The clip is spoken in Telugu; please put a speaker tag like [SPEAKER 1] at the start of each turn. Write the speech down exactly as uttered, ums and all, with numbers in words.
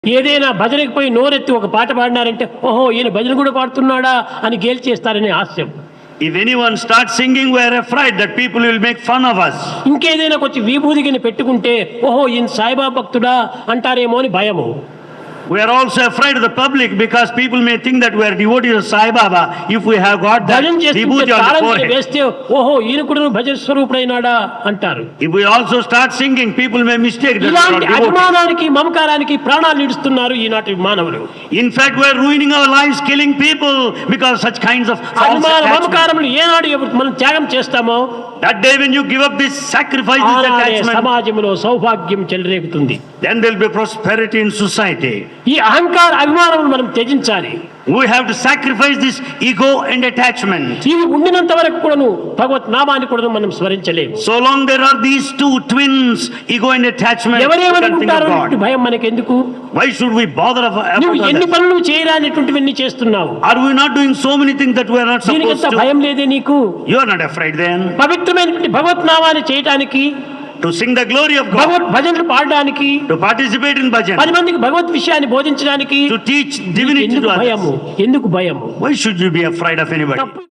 [SPEAKER 1] ఏదైనా భజనకి పోయి నోరెత్తి ఒక పాట పాడినారంటే ఓహో ఈయన భజన కూడా పాడుతున్నాడా అని గేలి చేస్తారనే హాస్యం.
[SPEAKER 2] If anyone starts singing, we are afraid that people will make fun of us.
[SPEAKER 1] ఇంకేదైనా కొంచెం విభూదిని పెట్టుకుంటే ఓహో ఈయన సాయిబాబా భక్తుడా అంటారేమో అని భయము.
[SPEAKER 2] We are also afraid of the public because people may think that we are devotees of Sai Baba if we have got that vibhuti on the forehead.
[SPEAKER 1] వేస్తే ఓహో ఈయన కూడా భజన స్వరూపుడైనాడా అంటారు.
[SPEAKER 2] If we also start singing, people may mistake that we are
[SPEAKER 1] ఇలాంటి
[SPEAKER 2] devotees.
[SPEAKER 1] అభిమానానికి మమకారానికి ప్రాణాలు ఇడుస్తున్నారు ఈనాటి మానవులు.
[SPEAKER 2] In fact, we are ruining our lives, killing people because such kinds of false
[SPEAKER 1] అభిమాన
[SPEAKER 2] attachment.
[SPEAKER 1] మమకారములు ఏనాడు ఎప్పుడు మనం త్యాగం చేస్తామో
[SPEAKER 2] That day when you give up this sacrifice, this attachment,
[SPEAKER 1] సమాజంలో సౌభాగ్యం చెలరేగుతుంది.
[SPEAKER 2] then there will be prosperity in society.
[SPEAKER 1] ఈ అహంకార అభిమానములు మనం త్యజించాలి.
[SPEAKER 2] We have to sacrifice this ego and attachment.
[SPEAKER 1] ఇవి ఉండినంత వరకు కూడాను భగవత్ నామాన్ని కూడా మనం స్మరించలేము.
[SPEAKER 2] So long there are these two twins, ego and attachment, we can think
[SPEAKER 1] ఎవరేమనుకుంటారో
[SPEAKER 2] of God.
[SPEAKER 1] భయం మనకెందుకు?
[SPEAKER 2] Why should we bother of-
[SPEAKER 1] నువ్వు
[SPEAKER 2] about
[SPEAKER 1] ఎన్ని
[SPEAKER 2] others?
[SPEAKER 1] పనులు చేయరానిటువంటివన్నీ చేస్తున్నావు.
[SPEAKER 2] Are we not doing so many things that we are not supposed
[SPEAKER 1] దీనికంత
[SPEAKER 2] to?
[SPEAKER 1] భయం లేదే నీకు?
[SPEAKER 2] You are not afraid then
[SPEAKER 1] పవిత్రమైనటువంటి భగవత్ నామాన్ని చేయటానికి,
[SPEAKER 2] to sing the glory of God,
[SPEAKER 1] భగవత్ భజనలు పాడడానికి,
[SPEAKER 2] to participate in bhajan,
[SPEAKER 1] పది మందికి భగవత్ విషయాన్ని బోధించడానికి
[SPEAKER 2] to teach divinity
[SPEAKER 1] ఎందుకు
[SPEAKER 2] to
[SPEAKER 1] భయము?
[SPEAKER 2] others.
[SPEAKER 1] ఎందుకు భయము?
[SPEAKER 2] Why should you be afraid of anybody?
[SPEAKER 1] తప్పు